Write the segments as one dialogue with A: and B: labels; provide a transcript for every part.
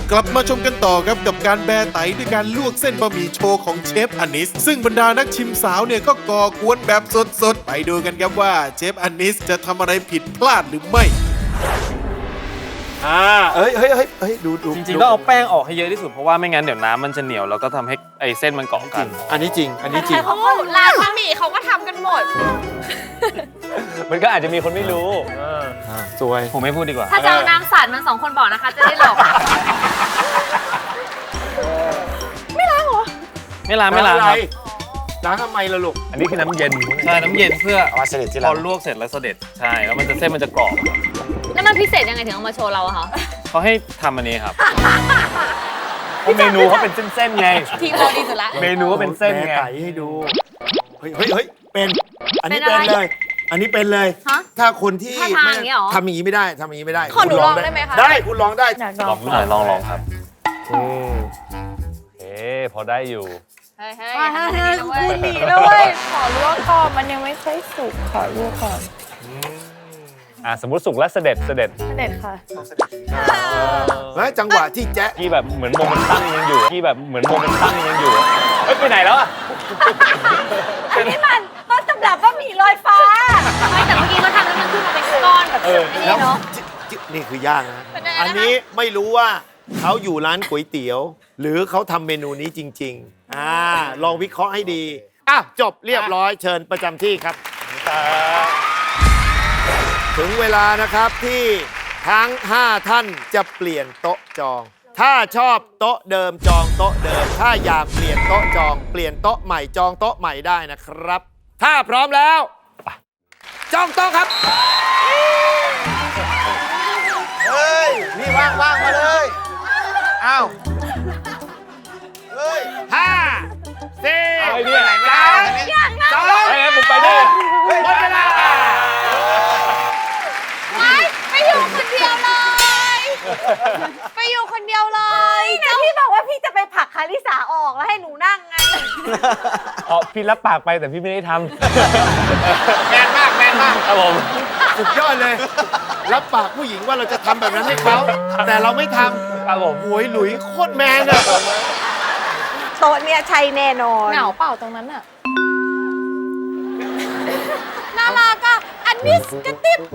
A: กลับมาชมกันต่อครับกับการแบไตด้วยการลวกเส้นบะหมี่โชว์ของเชฟอานิสซึ่งบรรดานักชิมสาวเนี่ยก็ก่อกวนแบบสดๆไปดูกันครับว่าเชฟอานิสจะทำอะไรผิดพลาดหรือไม่
B: เฮ้ยดู
C: จริงๆต้องเอาแป้งออกให้เยอะที่สุดเพราะว่าไม่งั้นเดี๋ยวน้ำมันจะเหนียวแล้วก็ทำให้ไอ้เส้นมันเกาะกัน
B: อันนี้จริง
D: เขาร้านบะหมี่เขาก็ทำกันหมด
C: มันก็อาจจะมีคนไม่รู้
B: สวย
C: ผมไม่พูดดีกว่า
D: ถ้าจะเอาน้ำสาดมัน2 คนบอกนะคะจะได้หลอกไม่ล้างเหรอ
C: ไม่ล้างครับ
B: ล้างทำไมล่ะลูก
C: อันนี้คือน้ำเย็นใช่น้ำเย็นเพื่อ
B: เอาเสด็จที่
C: พอลวกเสร็จแล้วเสด็จใช่แล้วมันจะเส้นมันจะกรอบ
D: แล้วมันพิเศษยังไงถึงเอามาโชว์เราอะคะ
C: เขาให้ทำอันนี้ครับเมนูเขาเป็นเส้นๆไง
D: ทีมเราดีสุดละ
C: เมนูก็เป็นเส้นไง
B: ให้ดูเฮ้ยเป็นอันนี้เป็นเลยอันนี้เป็นเลยถ้าคนที่ทำอย่างนี้ไม่ได้
D: ขอหนูลองได้ไหมคะ
B: ได้คุณลองได้
C: ลองครับพอได้อยู่
D: เฮ้ย
E: คุณดีด้วยขอลวกก่อนมันยังไม่ค่อยสุกขอลวกก่อน
C: สมมติสุกแล้วเสด็จ
E: ค่ะ
B: แล้วจังหวะที่แจ๊ะ
C: ที่แบบเหมือนโมเมนตัมยังอยู่ไปไหนแล้วอ่ะ
E: อันนี้มันต้นตำรับบะหมี่ลอยฟ้า
D: ไม่แต่เมื่อกี้เขาทำแล้วมันขึ้นมาเป็นก้อนแบบนี้เนาะ
B: นี่คือย่างนะอันนี้ไม่รู้ว่าเขาอยู่ร้านก๋วยเตี๋ยวหรือเขาทำเมนูนี้จริงๆลองวิเคราะห์ให้ดีจบเรียบร้อยเชิญประจำที่ครับถึงเวลานะครับที่ทั้ง5ท่านจะเปลี่ยนโต๊ะจองถ้าชอบโต๊ะเดิมจองโต๊ะเดิมถ้าอยากเปลี่ยนโต๊ะจองเปลี่ยนโต๊ะใหม่จองโต๊ะใหม่ได้นะครับถ้าพร้อมแล้วจองโต๊ะครับ
F: เฮ้ยนี่ว่างมาเลยอ้าวเฮ้ย
B: 5 4 3 2
C: ผมไปได้
B: หมดเวลา
D: ไปอยู่คนเดียวเลย
E: พี่บอกว่าพี่จะไปผลักคาริสาออกแล้วให้หนูนั่งไง
C: พี่รับปากไปแต่พี่ไม่ได้ท
F: แมนมาก
C: ครับผม
B: สุดยอดเลยรับปากผู้หญิงว่าเราจะทำแบบนั้นให้เขาแต่เราไม่ทำ
C: ครับผม
B: โอ้ยหลุยโคตรแมนอะ
E: โต๊ะเนี่ยใช่แน่นอน
D: เหงาเปล่าตรงนั้นอะน่ารักอะอันนิสกระติบ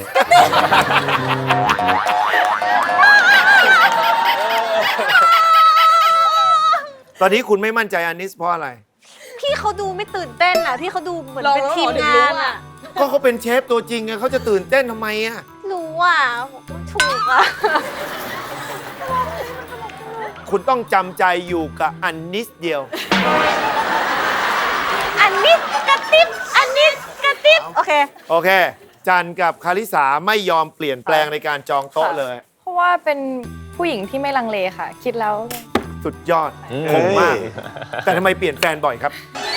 B: ตอนนี้คุณไม่มั่นใจอานิสเพราะอะไร
E: พี่เขาดูไม่ตื่นเต้นอะพี่เขาดูเหมือนเป็นทีมงานอะ
B: ก็เขาเป็นเชฟตัวจริงไงเขาจะตื่นเต้นทำไมอะ
E: รู้อะถูกอะ
B: คุณต้องจำใจอยู่กับอันนิสเดียว
E: อันนิสกระติบโอเค
B: จันกับคาริสาไม่ยอมเปลี่ยนแปลงในการจองโต๊ะเลย
E: เพราะว่าเป็นผู้หญิงที่ไม่ลังเลค่ะ คิดแล้ว
B: สุดยอดคมมากแต่ทำไมเปลี่ยนแฟนบ่อยครับ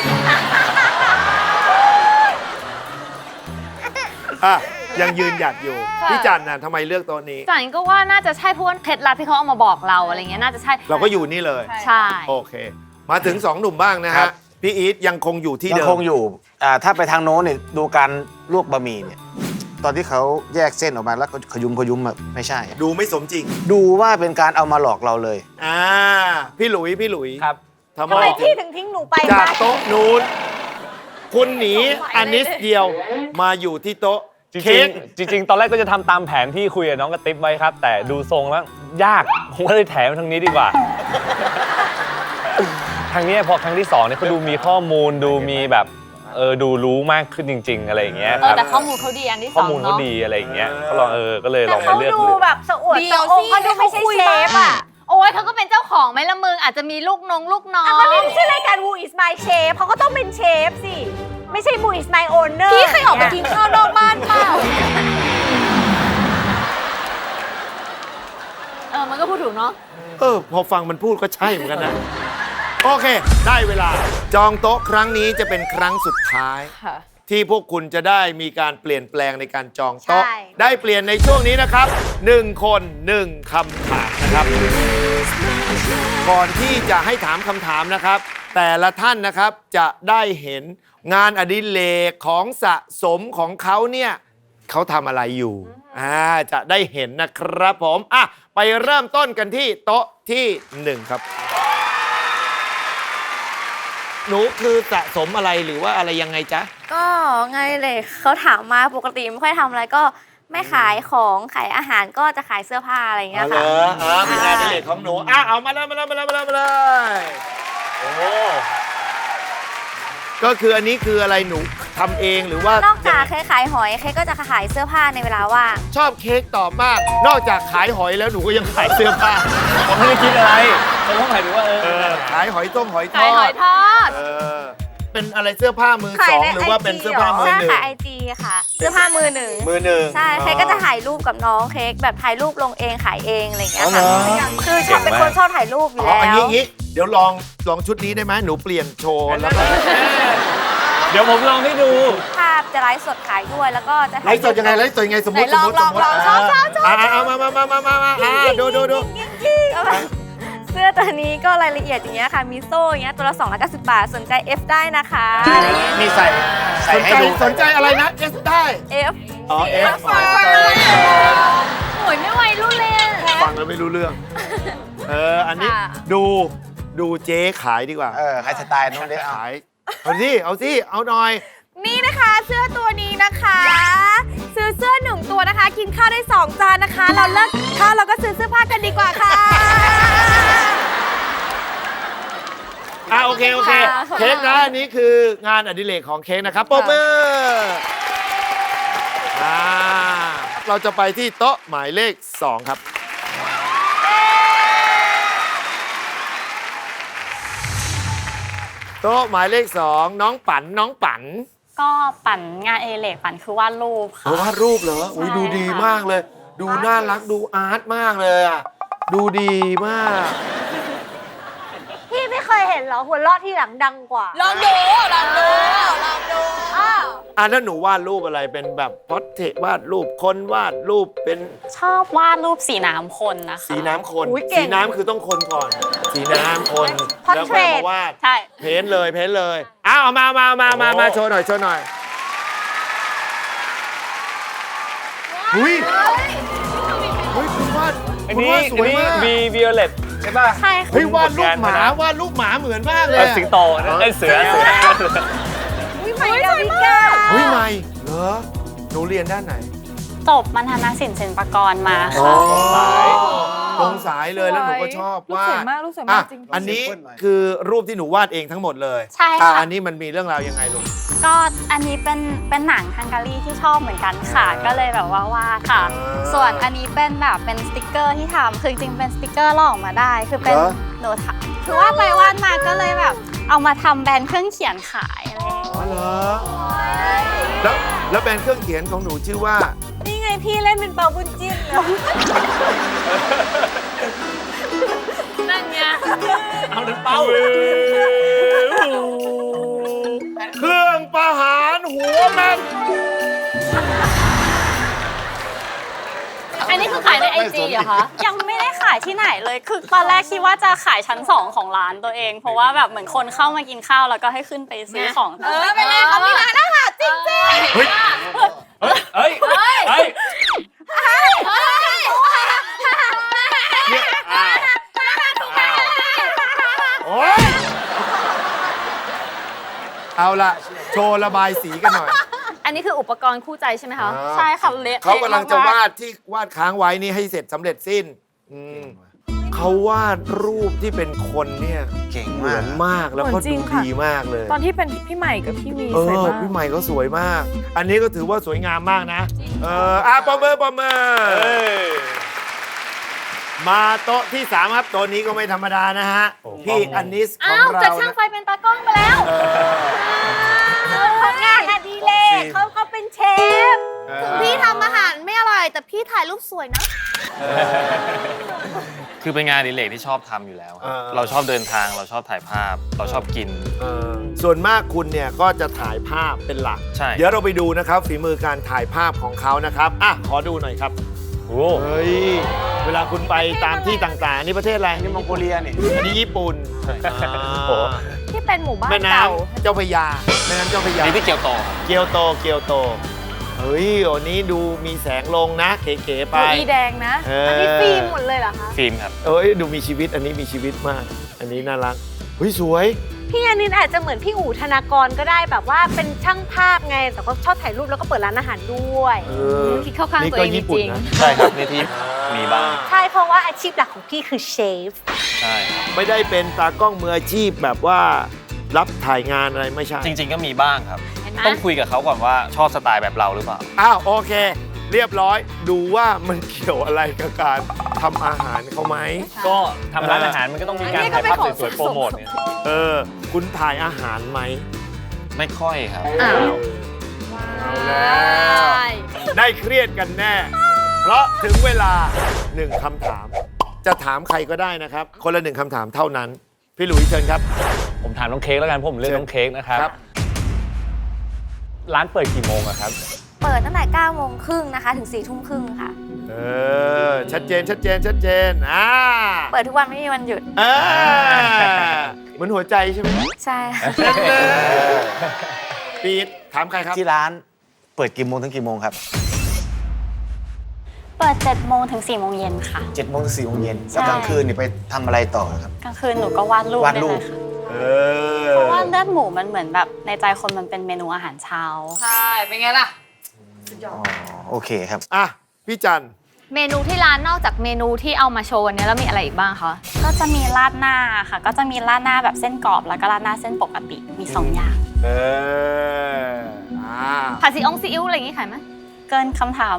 B: ยังยืนหยัดอยู่พี่จันน่ะทำไมเลือกโต๊ะนี้
D: จันก็ว่าน่าจะใช่เพราะว่าเคล็ดลับที่เขาเอามาบอกเราอะไรเงี้ยน่าจะใช่
B: เราก็อยู่นี่เลย
D: ใช่
B: โอเคมาถึง2 หนุ่มบ้างนะฮะพี่อีทยังคงอยู่ที่เดิม
F: ยังคงอยู่ถ้าไปทางโน้นเนี่ยดูการลวกบะหมี่เนี่ยตอนที่เขาแยกเส้นออกมาแล้วก็ขยุมไม่ใช่
B: ดูไม่สมจริง
F: ดูว่าเป็นการเอามาหลอกเราเลย
B: พี่หลุย
C: ครับ
E: ทำไมพี่ถึงทิ้งหนูไป
B: จากโต๊ะนู้นคุณหนีอันนิสเดียวมาอยู่ที่โต๊ะ
C: จริงตอนแรกก็จะทำตามแผนที่คุยกับน้องกระติ๊บไว้ครับแต่ดูทรงแล้วยากผมก็เลยแถมทางนี้ดีกว่าทางนี้พอครั้งที่2เนี่ยเขาดูมีข้อมูลดูมีแบบดูรู้มากขึ้นจริงๆอะไรอย่างเงี้ย
D: แต่ข้อมูลเขาดีอันที่2
C: ข้อมูลเขาดีอะไรอย่างเงี้ยก็ลองก็เลยลองมาเลือก
E: ดูแบบสะอวดสะองเขาดูไม่ใช่เชฟอะ
D: โอ้ยเขาก็เป็นเจ้าของไหมละมึงอาจจะมีลูกน้อง
E: เขาไม่ใช่รายการ Who is my chef เขาก็ต้องเป็นเชฟสิไม่ใช่ Who is my owner
D: พี่เคยออกไปกินข้าวนอกบ้านเปล่ามันก็พูดถูกเนาะ
B: พอฟังมันพูดก็ใช่เหมือนกันนะโอเคได้เวลาจองโต๊ะครั้งนี้จะเป็นครั้งสุดท้ายที่พวกคุณจะได้มีการเปลี่ยนแปลงในการจองโต๊ะได้เปลี่ยนในช่วงนี้นะครับ1 คน 1 คำถามนะครับก่อนที่จะให้ถามคำถามนะครับแต่ละท่านนะครับจะได้เห็นงานอดิเรกของสะสมของเขาเนี่ยเขาทำอะไรอยู่จะได้เห็นนะครับผมไปเริ่มต้นกันที่โต๊ะที่ 1 ครับ หนูคือสะสมอะไรหรือว่าอะไรยังไงจ๊ะ
G: ก็ไงเลยเขาถามมาปกติไม่ค่อยทำอะไรก็ไม่ขายของขายอาหารก็จะขายเสื้อผ้าอะไรอย่างเงี้ยค่ะ
B: เป็นงานอดิเรกของหนูเอามาเลยโอ้ก็คืออันนี้คืออะไรหนูทำเองหรือว่าน
G: อกจากเคยขายหอยเคยก็จะขายเสื้อผ้าในเวลาว่าง
B: ชอบเค้กตอบมาก นอกจากขายหอยแล้วหนูก็ยังขายเสื้อผ้า
C: ผมไม่ได้คิดอะไรแต่ต้องหมายถึงว่า
B: ขายหอยต้มหอยทอด
D: ขายหอยทอด
B: เป็นอะไรเสื้อผ้ามือสองหรือว่าเป็นเสื้อผ้ามือ
G: ใช่
B: หนึ่ง
G: ค่ะIG ค่ะเสื้อผ้ามือหนึ่ง
B: มือหนึ่ง
G: ใช่เคยก็จะถ่ายรูปกับน้องเค้กแบบถ่ายรูปลงเองขายเองอะไรอย่างเงี้ยค่ะ
B: อ๋อเหรอ
G: คือชอบเป็นคนชอบถ่ายรูปอยู่แล้ว
B: อันนี้เดี๋ยวลองชุดนี้ได้ไหมหนูเปลี่ยนโชว์แล้วก็
C: เดี๋ยวผมลองให้ดู
G: ภาพจะไลฟ์สดขายด้วยแล้วก็จะ
B: ไลฟ์สดยังไงสมมติ
G: ไหนลองชอบ
B: ดู
G: เสื้อตัวนี้ก็รายละเอียดอย่างเงี้ยค่ะมีโซ่อย่างเงี้ยตัวละ290 บาทสนใจ F ได้นะคะ
F: นี่ใส่ให้ดู
B: สนใจอะไรนะ S ได้
G: F
B: อ๋อ F
D: โอ้ยไม่ไหวรุ่นเลย
B: ฟังแล้วไม่รู้เรื่องอันนี้
G: ค่ะ
B: ดูเจ๊ขายดีกว่า
F: ให้สไตล์น้องเล็กเอา
B: ขายเอาหน่อย
E: นี่นะคะเสื้อตัวนี้นะคะ ซื้อเสื้อ1 ตัวนะคะ กินข้าวได้ 2 จานนะคะ เราเลิกข้าวเราก็ซื้อเสื้อผ้ากันดีกว่าค่ะ
B: โอเคเค้กนะอันนี้คืองานอดิเรกของเค้กนะครับปรบมือเราจะไปที่โต๊ะหมายเลข 2 ครับ โต๊ะหมายเลข 2 น้องปั่น
H: ก็ปั่นงานเอเล็กปั่นคือวาดรูปค่ะ
B: วาดรูปเหรออุ้ยดูดีมากเลย ดูน่ารักดูอาร์ตมากเลยอ่ะดูดีมาก
E: พี่ไม่เคยเห็นเหรอหัวเราะที่หลังดังกว่า
D: ลองดู
B: แล้วหนูวาดรูปอะไรเป็นแบบพอร์เทรตวาดรูปคนวาดรูปเป็น
H: ชอบวาดรูปสีน้ำคนนะคะ
B: สีน้ำคน
E: อุ๊ยเก่ง
B: สีน้ำคือต้องคนก่อน สีน้ำคน
E: Portrait
B: แล้วค่อยมาวาด
H: ใช่
B: เพ้นเลยเอามาโชว์หน่อยเฮ้ยคุณวาด
C: อัน
B: คุณ
C: นี้
B: วาดสวยมาก
C: มีวิโอเลตใช่ป่ะ
H: ใช่ค่ะ
B: เฮ้ยวาดรูปหมาเหมือนมากเลย
C: สิงโตนะเสือ
E: วิใหม่ดาวิกา
B: เฮ้ยใหม่เหรอหนูเรียนด้านไหน
H: จบมัณฑนศิลป์ศิลปากรมา
B: อ๋อ
H: ค่ะ
B: ตรงสายเลยแล้วหนูก็ชอบวาดรูปสวยมากจริงอันนี้คือรูปที่หนูวาดเองทั้งหมดเลย
H: ใช่ค่ะ
B: อันนี้มันมีเรื่องราวยังไงลูก
H: ก็อันนี้เป็นหนังฮังการีที่ชอบเหมือนกันค่ะ ก็เลยแบบว่าวาดค่ะ ส่วนอันนี้เป็นแบบเป็นสติกเกอร์ที่ทำคือจริงๆเป็นสติกเกอร์ลอกออกมาได้ คือเป็น
B: เหรอ
H: หนูทำคือวาดไปวาดมาก็เลยแบบเอามาทำแบรนด์เครื่องเขียนขายอะไรอย่างเงี้ย
B: อ๋อเหรอแล้วแบรนด์เครื่องเขียนของหนูชื่อว่า
E: นี่ไงพี่เล่นเป็นเปาบุญจิ้นเลย
D: นั่นไง
C: เอาถึงเป้า
B: เครื่องประหารหัวแมน
D: อันนี้คือขายในไอจีเหรอคะ
H: ยังไม่ได้ขายที่ไหนเลย คือตอนแรกคิดว่าจะขายชั้น 2 ของร้านตัวเอง เพราะว่าแบบเหมือนคนเข้ามากินข้าวแล้วก็ให้ขึ้นไปซื้อของ
E: เป็นไงเขามีร้านอาหารจริง
B: เฮ้ย
C: เฮ้ย
B: โอ๊ยเอาละโชว์ระบายสีกันหน่อย
D: อันนี้คืออุปกรณ์คู่ใจใช่ไหมคะ
H: ใช่ค่ะเละ
B: เขากำลังจะวาดที่วาดค้างไว้นี่ให้เสร็จสำเร็จสิ้นเขาวาดรูปที่เป็นคนเนี่ย
F: เก่ง
B: เหมื
F: มา
B: อก นมากแล้วก็
I: เหมือนจริ
B: ดู
I: งค่ะ
B: ดีมากเลย
I: ตอนที่เป็นพี่ใหม่กับพี่วีสวยมาก
B: พี่ใหม่ก็สวยมาก อันนี้ก็ถือว่าสวยงามมากนะปรบมือมาโต๊ะที่ 3 ครับโต๊ะนี้ก็ไม่ธรรมดานะฮะพี่อันนิสขอ
D: อ้าง ว
B: เรา
D: จากช่างไฟเป็นตากล้องไปแล้ว
E: ๆของงานอดิเรกเขาก็เป็นเชฟ
G: พี่ทำอาหารไม่อร่อยแต่พี่ถ่ายรูปสวยนะ
C: คือเป็นงานอดิเรกที่ชอบทำอยู่แล้วครับเราชอบเดินทางเราชอบถ่ายภาพ เราชอบกิน
B: ส่วนมากคุณเนี่ยก็จะถ่ายภาพเป็นหลัก
C: ใช่
B: เดี๋ยวเราไปดูนะครับฝีมือการถ่ายภาพของเขานะครับขอดูหน่อยครับ
C: โอ้
B: เฮ้ยเวลาคุณไปตามที่ต่างๆนี่ประเทศอะไร
F: นี่มองโกเลียนี่
B: อันนี้ญี่ปุ่น
C: โห
I: ที่เป็นหมู่บ้าน
B: แม่น้
I: เก่า
B: ำเจ้าพระยาแม่น้ำเจ้าพระยา
C: นี่ที่เกี่ยวต่อ
B: เกียวโตเฮ้ยอันนี้ดูมีแสงลงนะเก๋ๆไป
E: ดูอีแดงนะ อันนี้ฟิล์มหมดเลยเหรอคะ
C: ฟิล์มครับ
B: เอ้ยดูมีชีวิตอันนี้มีชีวิตมาก อันนี้น่ารักเฮ้ยสวย
E: พี่อานินอาจจะเหมือนพี่อู๋ธนากรก็ได้แบบว่าเป็นช่างภาพไง แต่ก็ชอบถ่ายรูปแล้วก็เปิดร้านอาหารด้วย
D: คิดเข้าข้าง
B: นี่
D: ตัว
B: ก็
D: เองจ
B: ญี่ปุ่น
D: ริง
B: นะ
C: ใช่ครับนี่ที่มีบ้าง
E: ใช่เพราะว่าอาชีพหลักของพี่คือเชฟ
C: ใช่ครับ
B: ไม่ได้เป็นตากล้องมืออาชีพแบบว่ารับถ่ายงานอะไรไม่ใช่
C: จริง ๆ ก็มีบ้างครับ
D: เห็นไหม
C: ต้องคุยกับเขาก่อนว่าชอบสไตล์แบบเราหรือเปล่า
B: อ้าวโอเค เรียบร้อยดูว่ามันเกี่ยวอะไรกับการทำอาหารเขาไหม
C: ก็ทำร้านอาหารมันก็ต้องมีการถ่ายภาพสวยๆโปรโมทเนี่ย
B: คุณถ่ายอาหารไหม
C: ไม่ค่อยครับ
D: อ้าว
B: เอาแล้วได้เครียดกันแน่ เพราะถึงเวลาหนึ่งคำถาม จะถามใครก็ได้นะครับ คนละหนึ่งคำถามเท่านั้น พี่หลุยส์เชิญครับ
C: ผมถามน้องเค้กแล้วกันเพราะผมเลือกน้องเค้กนะครับ
B: ครับ
C: ร้านเปิดกี่โมงอะครับ
G: เปิดตั้งแต่9 โมงครึ่งนะคะ ถึง4 ทุ่มครึ่งค่ะ
B: ชัดเจนชัดเจนชัดเจน
G: เปิดทุกวันไม่มีวันหยุด
B: เหมือนหัวใจใช่ไหม
G: ใช่ค่ะ
B: ปีดถามใครครับ
F: ที่ร้านเปิดกี่โมงถึงกี่โมงครับ
H: เปิด7 โมงถึง4 โมงเย็นค่ะ
F: 7 โมงถึง4 โมงเย็น
H: ใช่
F: แล้วกลางคืนนี่ไปทำอะไรต่อครับ
H: กลางคืนหนูก็วาดรูป
F: วาดรูป
H: ได้เลยค่ะเพราะว่าเลือดหมูมันเหมือนแบบในใจคนมันเป็นเมนูอาหารเช้า
D: ใช่ เป็นไงล่ะ
F: อ๋อโอเคครับ
B: อ่ะ พี่จัน
D: เมนูที่ร้านนอกจากเมนูที่เอามาโชว์วันนี้แล้วมีอะไรอีกบ้างคะ
H: ก็จะมีราดหน้าค่ะ ก็จะมีราดหน้าแบบเส้นกรอบแล้วก็ราดหน้าเส้นปกติมี 2 อย่าง
D: ผัดซีอิ๊วซีอิ๊วอะไรอย่างงี้ขายไหม
H: เกินคำถาม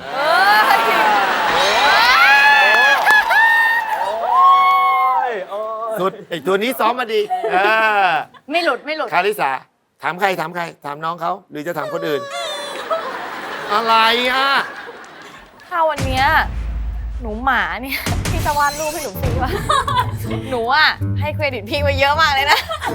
B: สุดไอ้ตัวนี้ซ้อมมาดี
D: ไม่หลุดไม่หลุด
B: คาริสาถามใครถามใคร ถามน้องเขาหรือจะถามคนอื่น อะไรอ่ะ
I: ถ้าวันเนี้ยหนูหมาเนี่ย พี่จะวาดรูปให้หนูสิว่า หนูอ่ะ ให้เครดิตพี่ไว้เยอะมากเลยนะ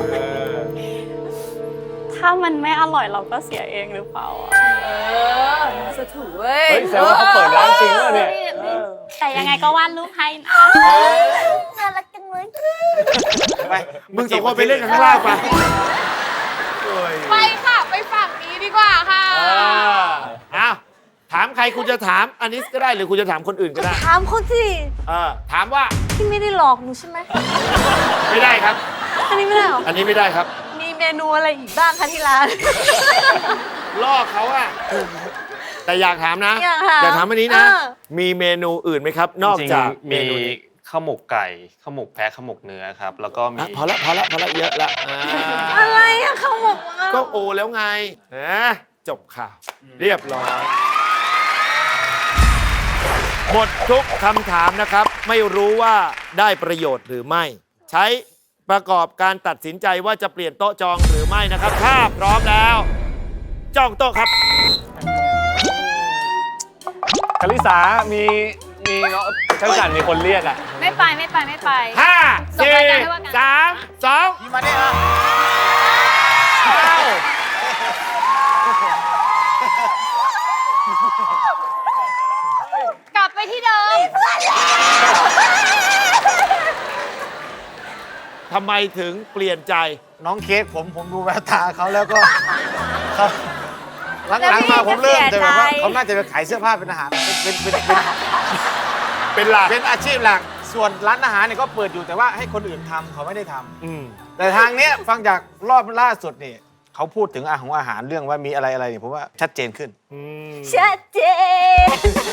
H: ถ้ามันไม่อร่อยเราก็เสียเองหรือเปล่าอะ
I: สะถูเว้ย
C: เฮ้ยแสดงว่าเขาเปิดร้านจริงแล้วเนี่ย
H: แต่ยังไงก็วาดรูปให้นะ
G: น่ารักจังเลย
F: ไป
B: มึงสองคนไปเล่นกันข้างล่างไป
D: ไปค่ะ ไปฝั่งนี้ดีกว่าค่ะ
B: อ้าวถามใครคุณจะถามอันนี้ก็ได้หรือคุณจะถามคนอื่นก็ได้
E: ถามเขาสิ
B: ถามว่า
E: พี่ไม่ได้หลอกหนูใช่ไหม
B: ไม่ได้ครับ
E: อันนี้ไม่ได้หรอ
B: อันนี้ไม่ได้ครับ
E: มีเมนูอะไรอีกบ้างคะที่ร้าน
B: ล่อเขาอะแต่อยากถามนะ
E: อยากถาม
B: อันนี้นะ
E: เออ
B: มีเมนูอื่นไหมครับ นอก
C: จริง
B: จาก
C: ๆ
B: เม
C: มี
B: นูนี้
C: ข้าวหมกไก่ข้าวหมกแพะข้าวหมกเนื้อครับ แล้วก็มี
B: พอละเยอะละ
E: อะไรอะข้าวหมกอะ
B: ก็โอแล้วไงจบข่าวเรียบร้อยหมดทุกคำถามนะครับ ไม่รู้ว่าได้ประโยชน์หรือไม่ ใช้ประกอบการตัดสินใจว่าจะเปลี่ยนโต๊ะจองหรือไม่นะครับ ถ้าพร้อมแล้วจองโต๊ะครับ
C: คาริสามีเนาะช่างจันมีคนเรียกอ่ะ
D: ไม่ไปไม่ไปไม่ไป
B: 5
D: ส่งรายการให้ว่ากัน
B: 4 3 2
F: พี่มาเนี่ย
D: กลับไปที่เดิม
B: ทำไมถึงเปลี่ยนใจ
F: น้องเค้กผมดูแววตาเขาแล้วก็เขาหลังๆมาผมเริ่มแต่แบบว่าเขาน่าจะไปขายเสื้อผ้าเป็นอาหาร
B: เป็นหลัก
F: เป็นอาชีพหลัก ส่วนร้านอาหารเนี่ยก็เปิดอยู่แต่ว่าให้คนอื่นทำเขาไม่ได้ทำ
B: อืม
F: แต่ทางเนี้ยฟังจากรอบล่าสุดนี่เขาพูดถึงอาหารเรื่องว่ามีอะไรเนี่ยผมว่าชัดเจนขึ้น
E: ชัดเจน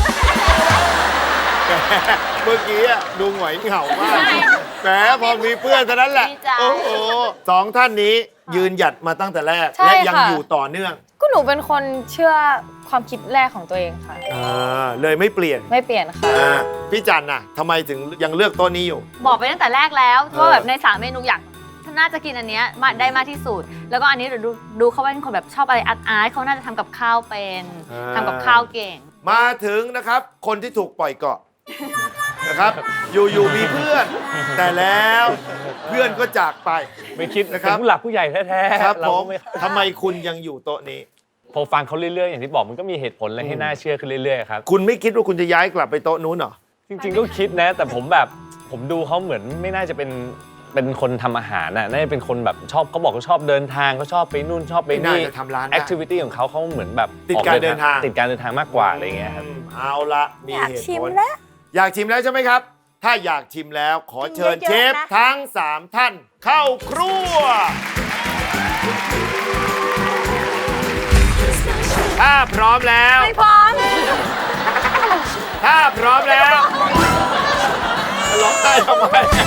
B: เมื่อกี้อะดูหงอยเหงามากแหมพอมีเพื่อนเท่านั้นแหละ
D: ดีใจ
B: โอ้โหสองท่านนี้ยืนหยัดมาตั้งแต่แรก
I: ใช่
B: และยัง
I: ค่ะ
B: อยู่ต่อเนื่อง
I: ก็หนูเป็นคนเชื่อความคิดแรกของตัวเองค่ะ
B: เลยไม่เปลี่ยน
I: ไม่เปลี่ยนค่ะ
B: พี่จันน่ะทำไมถึงยังเลือกโต๊ะนี้อยู่
D: บอกไปตั้งแต่แรกแล้วว่าแบบใน3 เมนูอยากน่าจะกินอันเนี้ยได้มากที่สุด แล้วก็อันนี้เดี๋ยวดูเขาเป็นคนแบบชอบอะไรอาร์ตเขาน่าจะทำกับข้าวเป็นทำกับข้าวเก่ง
B: มาถึงนะครับคนที่ถูกปล่อยเกาะ นะครับ อยู่มีเพื่อน แต่แล้วเพื่อนก็จากไป
C: ไม่คิด
B: นะ
C: นะ
B: ค
C: ค
B: รั
C: รับ บผู้หลักผู้ใหญ่แท้ๆ
B: ครับ
C: เรา
B: ผ
C: ก็
B: ม
C: ไม่
B: ทำไมคุณยังอยู่โต๊ะนี้
C: พอฟังเขาเรื่อยๆ อย่างที่บอกมันก็มีเหตุผลอะไรให้น่าเชื่อขึ้นเรื่อยๆครับ
B: คุณไม่คิดว่าคุณจะย้ายกลับไปโต๊ะนู้นเหรอ
C: จริงๆก็คิดนะ แต่ผมดูเขาเหมือนไม่น่าจะเป็นเป็นคนทำอาหารน่ะน่าจะเป็นคนแบบชอบเขาบอกเขาชอบเดินทางเขาชอบไปนู่นชอบไป
B: ไม่น่า
C: นี่
B: จะทำร้านได้
C: แอคทิวิตี้ของเขาเหมือนแบบ
B: ติดการเดินทาง
C: ติดการเดินทางมากกว่าอะไรเงี้ยครับ
B: เอาละมี
E: อยาก
B: เหตุ
E: ชิม
B: ผล
E: แล้ว
B: อยากชิมแล้วใช่ไหมครับ ถ้าอยากชิมแล้วขอเชิญ
E: เยอะๆ
B: เชฟ
E: นะ
B: ทั้ง 3 ท่านเข้าครัว ถ้าพร้อมแล้ว
E: ไม่พร้อม
B: ถ้าพร้อมแล้วร้องได้ทำไม